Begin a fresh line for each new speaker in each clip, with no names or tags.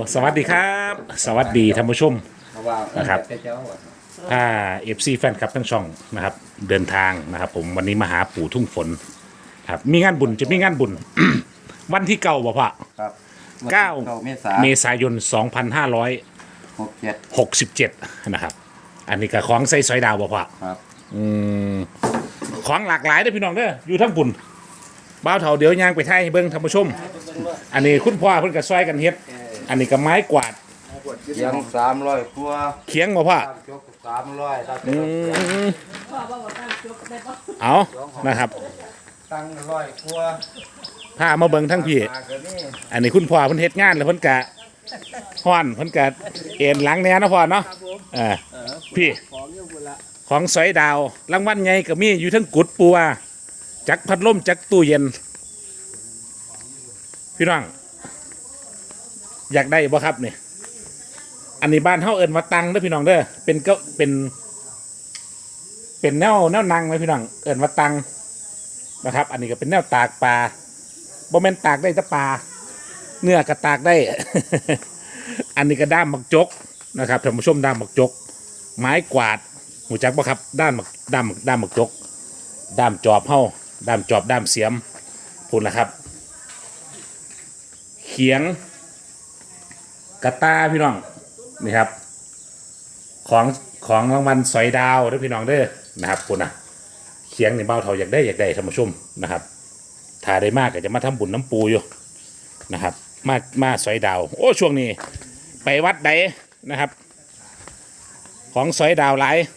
สวัสดีครับ สวัสดีท่านผู้ชมนะครับเอฟซีแฟนคลับทั้งช่องนะครับเดินทางนะครับผมวันนี้มาหาปู่ทุ่งฝนครับมีงานบุญจะมีงานบุญ วันที่เก้าบ่พ่อ
ครับ
9 เมษายน 2567นะครับอันนี้ก็ของใส่สอยดาวบ่พ่อ
ครับ
ของหลากหลายเด้อพี่น้องเด้ออยู่ทั้งปุ่นบ้าวเถาเดี๋ยวย่างไปไทยให้เบิ่งท่านผู้ชม อันนี้คุณพ่อเพิ่นก็ซอยกันเฮ็ดอันนี้ก็ไม้กวาด
ยัง300ครัว
เคียงบ่พ่อ
จก300ตั้ง
เอานะครับ
ตั้ง100ครัว
พามาเบิ่งทั้งพี่
มาก็นี่
อันนี้คุณพ่อเพิ่นเฮ็ดงานแล้วเพิ่นกะฮ้อนเพิ่นกะเอ็นหลังแหน่นะพ่อเนาะพี่ของสอยดาวรางวัลใหญ่ก็มีอยู่ทั้งกุดปัวจักพัดลมจักตู้เย็นพี่น้องอยากได้บ่ครับนี่อันนี้บ้านเฮาเอิ้นว่าตังเด้อพี่น้องเด้อเป็นก็เป็นแนวนั่งไหมพี่น้องเอิ้นว่าตังนะครับ อันนี้ก็เป็นแนวตากปลาบ่แม่นตากได้แต่ปลาเนื้อก็ตากได้ อันนี้ก็ด้ามหมักจกนะครับท่านผู้ชมด้ามหมักจก ไม้กวาดหูจักบ่ครับด้ามหมักจกด้ามจอบเฮาด้ามจอบด้ามเสียมพูดนะครับเขียงกระตาพี่น้องนี่ครับของรางวัลสอยดาวเด้อพี่น้องเด้อนะครับพูดนะเขียงนี่เบาเท่าอยากได้ท่านผู้ชมนะครับถ้าได้มากก็จะมาทำบุญน้ำปูอยู่นะครับมาสอยดาวโอ้ช่วงนี้ไปวัดใดนะครับของสอยดาวหลาย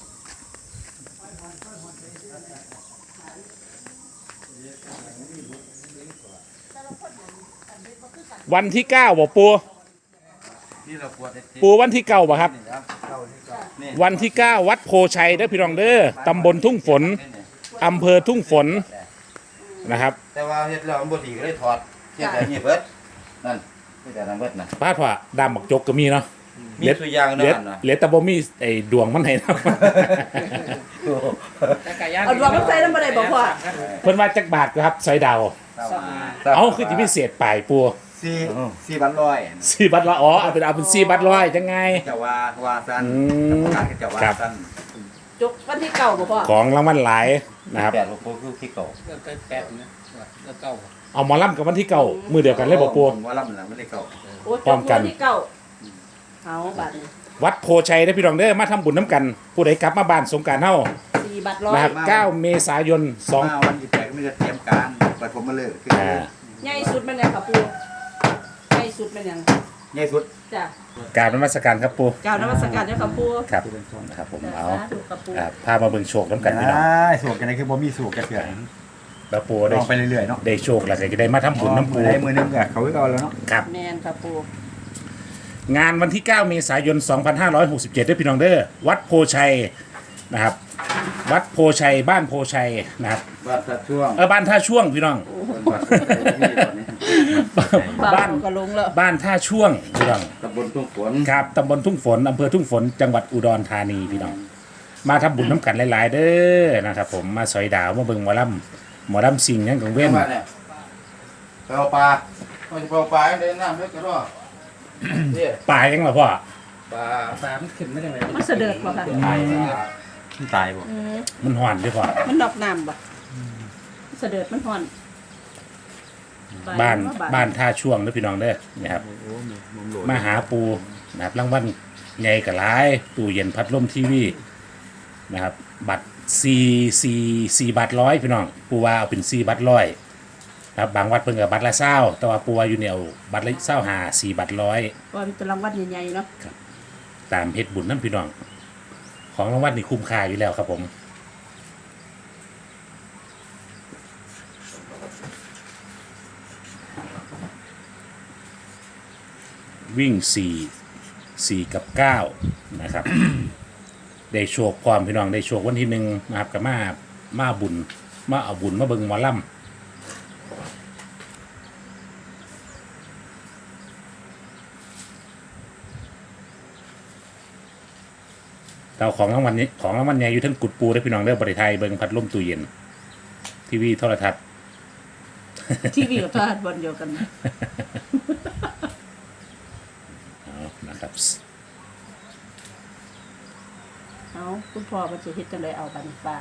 วันที่9บ่ปู
ที่เราปวดได้
ปูวันที่9บ่ครับ
นี่
วันที่9วัดโพชัยเด้อพี่น้องเด้อตำบลทุ่งฝนอำเภอทุ่งฝนนะครับ
แต่ว่าเฮ็ดแล้วมันบ่ดีก็เลยถอดเฮ็ดแต่นี่เบิดนั่นเฮ็ดแต่นั้นเบิดนะ
พาดว่าดามบักจกก็มีเนาะ
มีตัวอย่าง
เหลือ
นั่นน่ะ
เหลือแต่บ่มีไอ้ดวงมันให้นะ
เอาดวงมันใส่น้ำอะไรบอกว่า
เพิ่นว่าจักบาทครับสอยดาวเอาคือสิพิเศษปลายปู
4บันร้อย
4 บัตรละอ๋อเอาเป็น4 บัตรร้อยจังไง
จะว่าซั่นการจะว่าซั่น
จกวันที่เก่าบอกว่า
ของรางวัลหลายนะครับ
8บ่คือที่เก่า
เอาหมอลำกับวันที่9มื้อเดียวกันเลยบ่ปู
ว่าลำน่ะไม่ได้เก่า
โอ้จ
พร้อก มกัน
วันที่เก่าเอาบัตร
วัดโพชัยเด้อพี่น้องเด้อมาทำบุญน้ำกัน ผู้ใดกลับมาบ้านสงกรานต์เฮา
4 บัตรร้อย
นะครับ9 เมษายน
มาวันที่8ก็มีแต่เตรียมการบัดผมมาเลิกคือ
ใหญ่สุดมันยังค่ะปูใหญ่สุดมันยัง
ใหญ่สุด
จ้ะ
กรารนมัสการครับปู
กล่าวนมัสการเจ้าค่ะปู
ครับนะครับผมเอา
ถูกกับปู
พามาเบิ่งโชคน้ำกันพี่น้อง
สูกกันได้คือบ่มีสูกกันเกิด
แล้วปู
ล
ได้
องไปเรื่อยๆเนาะ
ได้โชคแล้วก็จะได้มาทำบุญน้ำปู
ได้มือนึงก็เขาก็เอาแล้วเนาะ
ครับ
แมนค่ะปู
งานวันที่ 9 เมษายน 2567ด้วยพี่น้องเด้อวัดโพชัยนะครับ วัดโพชัยบ้านโพชัยนะครับ
บ้านช่วง
บ้านท่าช่วงพี่น้อง บ้าน
ก็ลงแล้ว
บ้านท่าช่วงพี่น้อง
ตำบลทุ่งฝน
ครับตำบลทุ่งฝนอำเภอทุ่งฝนจังหวัดอุดรธานีพี่น้อง มาทำบุญน้ำกันหลายๆเด้อนะครับผมมาสอยดาวมาเบิ่งหมอลำสิ่งยังของเว้น
ไปเอาปลาไปเอาปลาเดินน้ำเล็กก็รอนี่
ปลายังเหรอพ่อ
ปลามันขึ้นไม่ได้ไง
มันเสด็จบ่ค่ะ
ตายบ่
มันห่อนด้วยพ่อ
มันนอกน้ำบ่เสด็จมันห่อน
บ้านท่าช่วงเด้อพี่น้องเด้อนะครับมาหาปูนะครับรางวัลใหญ่กับหลายตู้เย็นพัดลมทีวีนะครับบัตร4 บัตรร้อยพี่น้องปูว่าเอาเป็น4 บัตรร้อยครับบางวัดเพิ่นก็บัตรละ20แต่ว่าปูว่าอยู่เนี่ยเอาบัตรละ25 4 บัตรร้อย
ว่าเป็นรางวัลใหญ่ๆเนาะ
ตามเฮ็ดบุญนั่นพี่น้อง ของรางวัลนี่คุ้มค่าอยู่แล้วครับผมวิ่ง4กับ9นะครับ ได้โชคพร้อมพี่น้องได้โชควันที่1นะครับกับมาบุญมาเอาบุญมาเบิ่งหมอลำเราของรางวัลนี้ของรางวัลใหญ่อยู่ทั้งกุดปูได้พี่น้องเด้อบริไทยเบิ่งพัดลมตู้เย็นทีวีโทรทัศน์
ทีวีกับโทรทัศน์บนเดียวกัน
นะครับ
เอาคุณพ่อมันจะเฮ็ดจังไดเอาบัดนปลา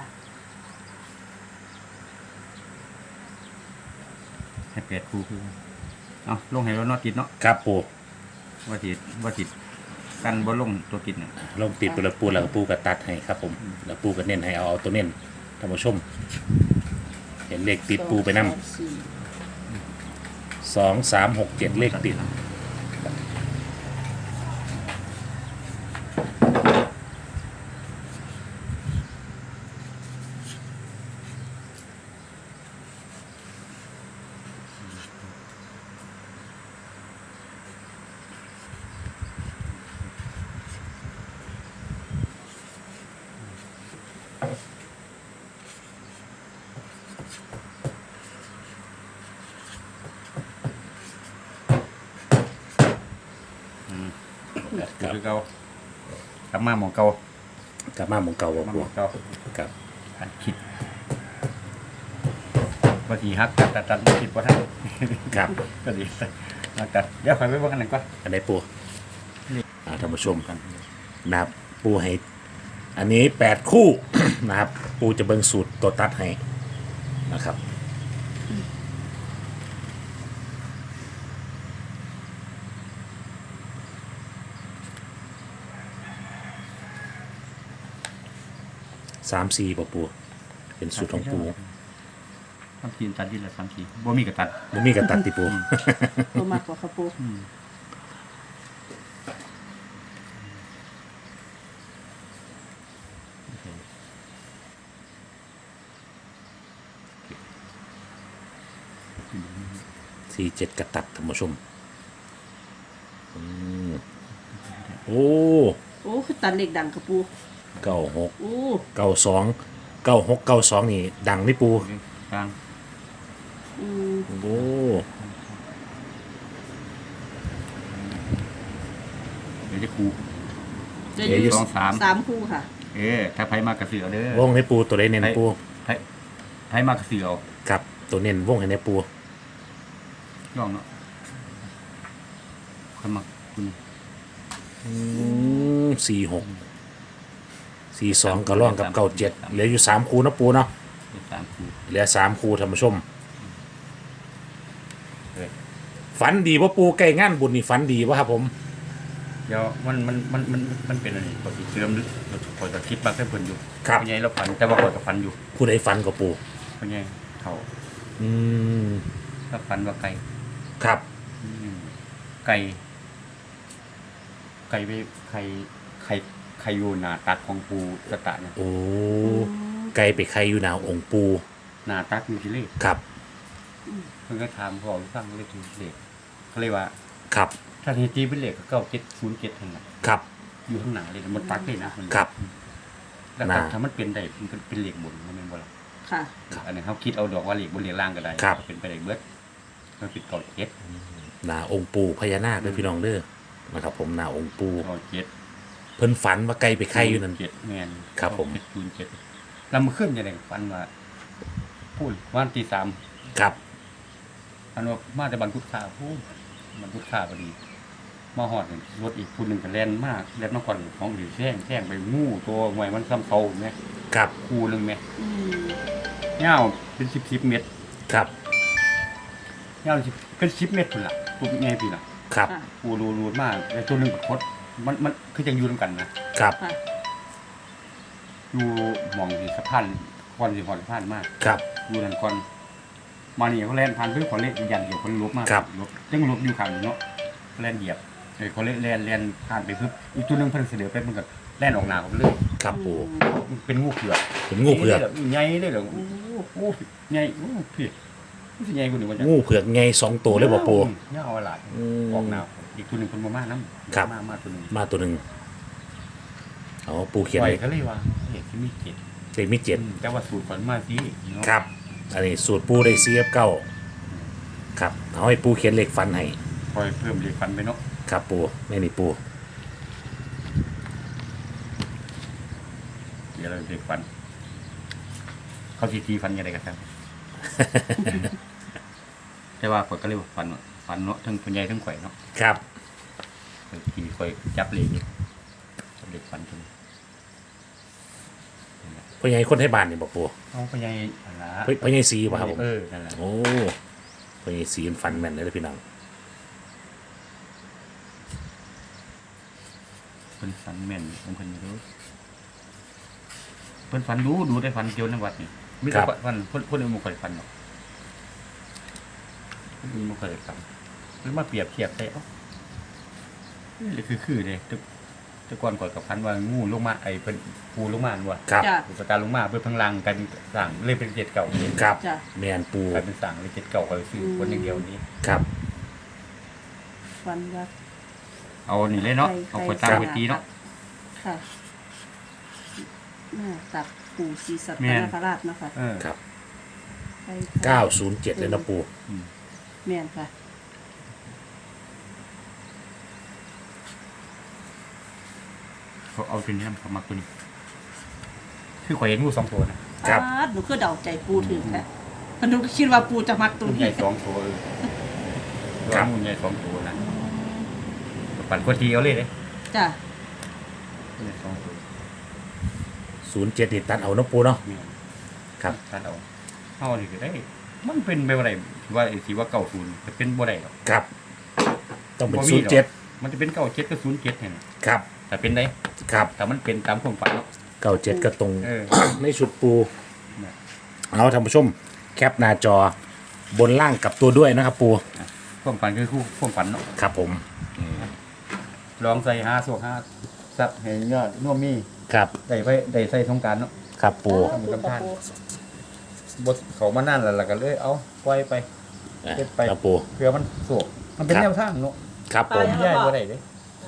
ให้แปดคู่คือเอาลงให้รถนอติดเนาะ
ครับปู
ว่าติดกันบ่ลงตัวติดเนี่ย
ลงติดไปแล้วปูแล้วก็ปูก็ตัดให้ครับผมแล้วปูก็เน้นให้เอาตัวเน้นท่านผู้ชม เห็นเลขติดปูไปนำ 2 3 6 7เลขติดครับ
คือเก่ากลับมาหมองเก่าก
ลับมาหมองเก่าบ่
มาห
ปู
มองเก่า
ครับ
อันคิดว่าทีฮักตัดคิดว่าท่าน
ครับ
ก็ดีตัดเดี๋ยวคอยไปเบิ่งกันหนึ่งก่อน
อันไหนปูท่านผู้ชมนะครับปูให้อันนี้8คู่ นะครับปูจะเบิ่งสูตรตัวตัดให้นะครับ3 4ปู เป็นสูตรของปู
ทำทีมตัดดีละ3 ทีบ่มีกระตัด
มันมีกระตัดติปู
ตัวมากกว่าค่ะปู
47กระตัดท่านผู้ชมโอ้
โอ้คือตัดเหล็กดังค่ะปู
96
โอ้
92 96 92นี่ดังนี่ปู
กลาง
อืม
โอ้
เดี๋ยวจะคู
จะอยู่
2 3
3คู่ค่ะ
ถ้าไผมากระเสือเด้อ
วงให้ปูตัวใดเน้นปู
ไผมากระเสือเอา
ครับตัวเน้นวงให้ในปู
ย่องเนาะคนมาคุณ
46 42ก็ร่องกับ97เหลืออยู่3คู่เนาะปูเนาะ
3 คู่
เหลือ3คู่ท่านผู้ชม
เออ
ฝันดีว่าปูใกล้งานบุญนี่ฝันดีวะครับผม
เดี๋ยวมันเป็นอะไรปกติเสื่อมคอยจะคิดบักให้เพิ่นอยู่
ครับ
เป็นไงเราฝันแต่ว่าคอยกับฝันอยู่
ผู้ใดฝันกับปู
เป็นไงเขา
อืม
ถ้าฝันว่าไก่
ครับ
ไก่ไปไข่อยู่หน้าตักของปูสตะเนี่ย
โอ้ไกลไปใครอยู่หนาวองค์ปู
หน้าตักอยู่ที่เลข
ครับ
เพิ่นก็ถามพ่อฟังเลขที่เลขเขาเรียกว่า
ครับ
ถ้าทีตีเป็นเลขก็9707ทั้งนั้น
ครับ
อยู่ข้างหน้าเลยมันตักเลยนะมัน
ครับ
แล้ว
น่า
ถ้ามันเป็นได้มันเป็นเลขบนมันเป็นบ่ล่ะ
ค่ะ
อันนี้เขาคิดเอาดอกว่าเลขบนเลขล่างก็ได้
ครับ
เป็นไปได้เบิดมันเป็นเก่าเจ็ด
หนาองค์ปูพญานาคด้วยพี่น้องเด้อนะครับ ผมหนาองค์ปู
เก่าเจ็ด
เพิ่นฝันว่าไกลไปใครอยู่นั่น
เจ็ดแมน
ครับผม
เจ็ดแล้วมันขึ้นยังไงฟันว่าพูดวันที่3
ครับ
อันว่ามาแต่บันทุกข่าพูดบันทุกข่าพอดี มาหอดนี่รถอีกคนหนึ่งก็แล่นมากแล่นมาก่อนของหรือแท่งไปงูตัวหวยมันซ้ำเขาไหม
ครับ
คู่หนึ่งไหม
อืม
เงาเป็น10 เมตร
ครับ
เงาเป็น10 เมตรคนละตัวไงพี่ล่ะ
ครับ
ค่ะ
คู่รูดมากแต่ตัวหนึ่งกับคดมันคือจะอยู่ด้วยกันนะครับ
ค่ะ
อยู่หมองที่สะพานก่อนสิหอดสะพานมาก
ครับ
อยู่นั่นก่อนมานี่เขาแล่นผ่านเพื่อขอเล่นยันเดียวคนลบมาก
ครับ
ลบยังลบอยู่ข้างเนาะแล่นเหยียบเขาเล่นผ่านไปเพิ่อีกตัวหนึงเพิ่นเสนอไปมันก็แล่นออกหน้าเขาเลย
ครับปู
มันเป็นงูเผือก
เป็นงูเผือก
ใหญ่เลยเหรอโอ้ใหญ่โอ้พี่มันสิใหญ่กว่านี้ว่าจัง
งูเผือกไง2ตัวเลยบ่ปู
เงาอะไร
อืม
ออกหน้าอีกตัวหนึงเพิ่นบ่มานํ
ครับ
มาตัวหนึง
มาตัวหนึ่งอ๋อปูเขียน
ปล่อย
เลย
เขาเลยว่าเด็กที่มีเกียรติ
เลขมี7
แต่ว่าสูตรฝันมาสิเนาะ
ครับ อันนี้สูตรปูได้CF9ครับเอาให้ปูเขียนเลขฟันให้
คอยเพิ่มเลขฝันไปเนาะ
ครับปูแม่นี่ปู
เดี๋ยวเราเลขฝันเขาสิตีฝันยังไงกันครับ แต่ว่าข่อยก็เลยว่าฝันเนาะทั้งคนใหญ่ทั้งข่อยเนาะ
ครับ
ที่คอยจับเหล็กจับเหล็กฟันจน
พ่อใหญ่คนไทยบ้านนี่บอกปู
เอาไปยังอันละ
พ่อใหญ่สีป่ะครับผม
นั่นแหละ
โอ้พ่อใหญ่สีมันฟันแม่นเลยนะพี่น้อง
เพิ่นฝันแม่นของเพิ่นอยู่เด้อเพิ่นฝันดูได้ฝันเกี่ยวในวัดนี่มีแต่ฝันเพิ่นบ่ค่อยฝันหรอกเพิ่นบ่ค่อยฝันเพิ่นมาเปรียบเทียบได้เอ้านี่คือเด้แต่ก่อนก่อนกับพันว่างูลงมาไอ้เป็นปูลงมาว่า
ครับ
จ้ะ
อุปตาลงมาเพื่อพังลังกันสั่งเลยเป็น7 เก่าเลย
ครับ
จ้ะ
แมนปู
กลายเป็นสั่งเลย7 เก่าก็เลยซื้อคนอย่างเดียวนี้
ครับ
ฟันว่า
เอานี่เลยเนาะเอาไปตั้งไว้ตีเนาะ
ค่ะหน้าตักปู่ศรีสัต
แม่น
นคราชเนาะค่ะ
ครับ
ไปค่ะ
907เลยนะปู
แม่นค่ะ
เขาเอาตัวนี้เขามาตัวนี้คือข่อยเห็นงู2 ตัวนะครับ
หนูคือเดาใจปูถึงค่ะหนูก็คิดว่าปูจะมักตัว
งูให
นี้
ญ่2 ตัวงูใหญ่2 ตัวนะปั่นกวทีเอาเลยเลย
จ้ะ
งูใหญ่2 ตัว
07นี่ตัดเอาเนาะปูเนาะ
เนี่ย
ครับ
ตัดเอานี่ก็ได้ มันเป็นไปบ่ได้ว่าไอ้ที่ว่า90จะเป็นบ่ได้หรอก
ครับ ต้องเป็น
บ่มีหรอก
07
มันจะเป็น97กับ07เนี่ย
ครับ
แต่เป็นได้
ครับ
แต่มันเป็นตามความฝันเนาะ
97ก็ตรง
เออ
ในชุดปู
นะ
เอาท่านผู้ชม แคปหน้าจอบนล่างกับตัวด้วยนะครับปู
ความฝันคือคู่ความฝันเนาะ
ครับผม
ลองใส่5สวก5ซับให้ยอดน่วมมี
ครับ
ได้ใส่สงกรารเนาะ
ครับปู
ขอบคุณค่ะปู
บทเขามานั่นแล้วก็เลยเอาปล่อยไป เก็บไป
ครับปู
เพื่อมันสวกมันเป็น
ครับ
แนวทางเนาะ
ครับผม
ใหญ่บ่ได้เด้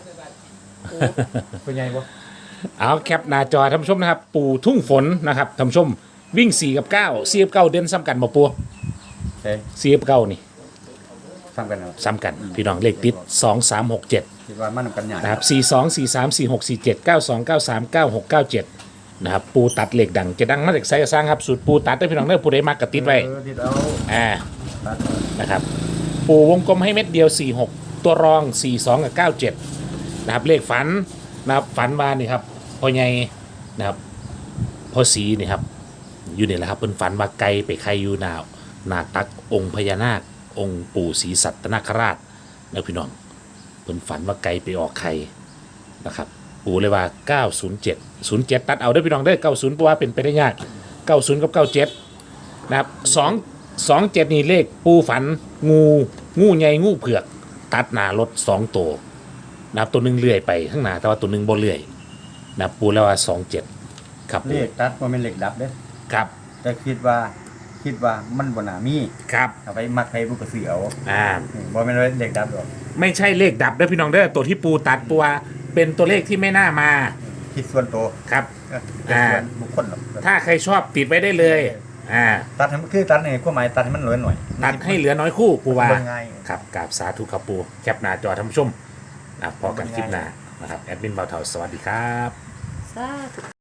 เป็นใหญ่บ่
เอาแคปหน้าจอท่านผู้ชมนะครับ ปูทุ่งฝนนะครับท่านผู้ชมวิ่ง4กับ9 4กับ9เด่นซ้ำกันบ่ปู
เฮ้ย
4กับ9นี่
ซ้ำกันเนาะ
ซ้ำกันพี่น้องเลขติด2 3 6 7
คิดว่ามันนำกันใหญ่
นะครับ4 2 4 3 4 6 4 7 9 2 9 3 9 6 9 7นะครับปูตัดเหล็กดังจะดังมาจากไซส์สร้างครับสูตรปูตัดได้พี่น้องเด้อผู้ใดมากกระติดไว้
ติดเอา
อ่า
ตัด
นะครับปูวงกลมให้เม็ดเดียว 46 ตัวรอง 42 กับ 97นะครับเลขฝันนะครับฝันว่านี่ครับพ่อใหญ่นะครับพ่อสีนี่ครับอยู่นี่แหละครับเพิ่นฝันว่าไก่ไปไข่อยู่หนาตักองค์พญานาคองค์ปู่ศรีสัตนคราชนะพี่น้องเพิ่นฝันว่าไก่ไปออกไข่นะครับปู่เลยว่า 907 07 ตัดเอาได้อพี่น้องได้อ90เพราะว่าเป็นไปได้ยาก 90 กับ 97นะครับ27นี่เลขปูฝันงูใหญ่งูเผือก ตัดหน้ารถ2ตัวนะครับตัวหนึงเลื่อยไปข้างหน้าแต่ว่าตัวหนึงบ่เลื่อยนะครับปูแล้วว่า27ครับ
เลขตัดบ่แม่นเลขดับเด้
ครับ
แต่คิดว่ามันบ่น่ามี
ครับ
เอาไปมักให้ผู้กระสือเอา บ่แม่นเลขดับหรอก
ไม่ใช่เลขดับเด้อพี่น้องเด้อตัวที่ปูตัดปูว่าเป็นตัวเลขที่ไม่น่ามา
คิดส่วนตัว
ครับ
เป็นส่วนบุคคลหรอก
ถ้าใครชอบติดไว้ได้เลย
ตัดให้มันคือตัดในความหมายตัดให้มันน้อยหน่อย
ตัดให้เหลือน้อยคู่ปูว่า
เบิ่งง่าย
ครับกราบสาธุครับปูแคปหน้าจอท่านผู้ชมนะครับพอกันคลิปหน้านะครับแอดมินเบาเถาสวัสดีครับ
สาธุ